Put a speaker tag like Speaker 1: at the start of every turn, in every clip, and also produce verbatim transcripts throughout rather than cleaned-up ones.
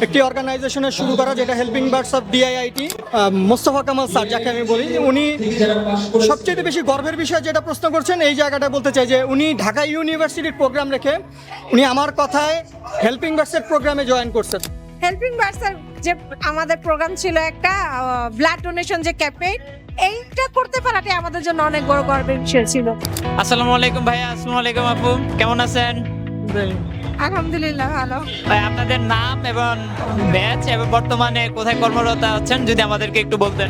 Speaker 1: একটি অর্গানাইজেশনের শুরু করা, যেটা helping birds of DIIT. Mostafa Kamal sir যাকে আমি বলি, উনি সবচেয়ে বেশি গর্বের বিষয় যেটা প্রশ্ন করছেন এই জায়গাটা বলতে চাই যে উনি ঢাকা ইউনিভার্সিটির প্রোগ্রাম রেখে উনি আমার কথায় হেল্পিং বার্ডসের প্রোগ্রামে জয়েন করছেন।
Speaker 2: হেল্পিং বার্ডসের যে আমাদের প্রোগ্রাম ছিল একটা ব্লাড ডোনেশন যে ক্যাম্পেইন, এইটা করতে পারাটাই আমাদের জন্য অনেক বড় গর্বের বিষয় ছিল।
Speaker 3: আসসালামু আলাইকুম ভাইয়া। আসসালামু আলাইকুম আপু, কেমন আছেন?
Speaker 2: আলহামদুলিল্লাহ ভালো।
Speaker 3: ভাই আপনাদের নাম এবং ব্যাচ এবং বর্তমানে কোথায় কর্মরত আছেন যদি আমাদেরকে একটু বলতেন।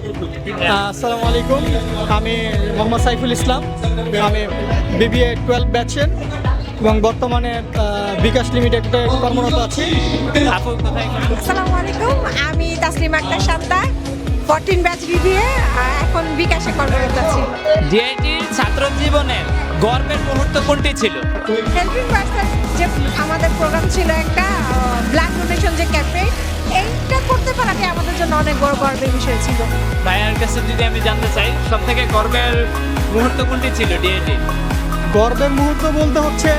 Speaker 1: আসসালামু আলাইকুম, আমি মোহাম্মদ সাইফুল ইসলাম, আমি বিবিএ টুয়েলভ ব্যাচের এবং বর্তমানে আহ, বিকাশ লিমিটেডে কর্মরত আছি।
Speaker 3: আপু কোথায় কর্মরত?
Speaker 2: আসসালামু আলাইকুম, আমি Taslim Akter Shanta, fourteen batch BBA, এখন বিকাশে কর্মরত আছি।
Speaker 3: ডিআইটির ছাত্র জীবনের গর্বের মুহূর্ত কোনটি ছিল?
Speaker 2: হেল্পিং বার্ডসের যে আমাদের প্রোগ্রাম ছিল একটা ব্লাড ডোনেশন যে ক্যাম্পেইন, এইটা করতে পারাটাই আমাদের জন্য অনেক বড় গর্বের বিষয় ছিল।
Speaker 3: ভাইয়ার কাছে যদি আমি জানতে চাই সব থেকে গর্বের মুহূর্ত কোনটি ছিল ডিআইটি?
Speaker 1: গর্বের মুহূর্ত বলতে হচ্ছে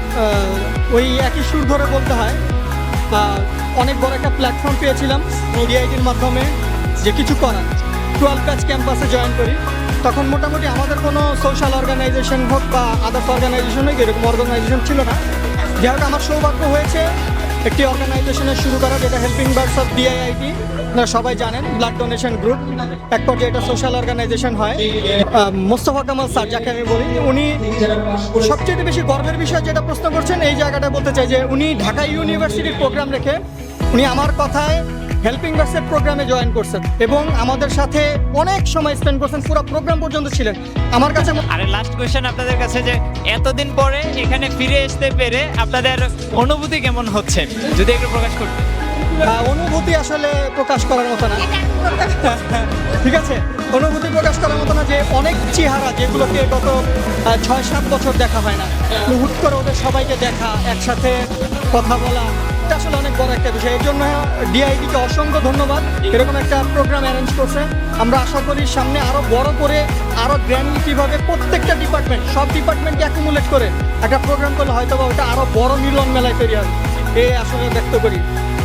Speaker 1: আহ, ওই একই সুর ধরে বলতে হয়, আহ, অনেক বড় একটা প্ল্যাটফর্ম পেয়েছিলাম ডিআইটির মাধ্যমে যে কিছু করার। টুয়েলভ ব্যাচ ক্যাম্পাসে জয়েন করি, তখন মোটামুটি আমাদের কোনো সোশ্যাল অর্গানাইজেশন হোক বা আদার্স অর্গানাইজেশন হোক এরকম অর্গানাইজেশন ছিল না। যাই হোক, আমার সৌভাগ্য হয়েছে একটি অর্গানাইজেশনের শুরু করা, যেটা হেল্পিং বার্ডস অফ ডিআইআইটি। আপনারা সবাই জানেন ব্লাড ডোনেশন গ্রুপ, এক পর্যায়ে এটা সোশ্যাল অর্গানাইজেশন হয়। আহ, মোস্তফা কামাল স্যার যাকে আমি বলি, উনি সবচেয়ে বেশি গর্বের বিষয় যেটা প্রশ্ন করছেন এই জায়গাটা বলতে চাই যে উনি ঢাকা ইউনিভার্সিটির প্রোগ্রাম রেখে উনি আমার কথায় হেল্পিং বার্ডসের প্রোগ্রামে জয়েন করছেন এবং আমাদের সাথে অনেক সময় স্পেন্ড করছেন, পুরো প্রোগ্রাম পর্যন্ত ছিলেন। আমার কাছে
Speaker 3: আরে লাস্ট কোয়েশ্চেন আপনাদের কাছে, যে এতদিন পরে এখানে ফিরে আসতে পেরে আপনাদের অনুভূতি কেমন হচ্ছে যদি একটু প্রকাশ করতেন।
Speaker 1: আহ, অনুভূতি আসলে প্রকাশ করার মতো না।
Speaker 2: এটা আমি করতে
Speaker 1: ঠিক আছে, অনুভূতি প্রকাশ করার মতো না যে অনেক চেহারা যেগুলোকে গত আহ, ছয় সাত বছর দেখা হয় না, হুট করে ওদের সবাইকে দেখা, একসাথে কথা বলা, এটা আসলে অনেক বড় একটা বিষয়। এই জন্য ডিআইডিকে অসংখ্য ধন্যবাদ, এরকম একটা প্রোগ্রাম অ্যারেঞ্জ করছে। আমরা আশা করি সামনে আরও বড় করে আরও গ্র্যান্ডলি কীভাবে প্রত্যেকটা ডিপার্টমেন্ট, সব ডিপার্টমেন্টকে অ্যাকুমুলেট করে একটা প্রোগ্রাম করলে হয়তো বা ওটা আরও বড় মিলন মেলায় তৈরি হবে, এই আসলে ব্যক্ত করি।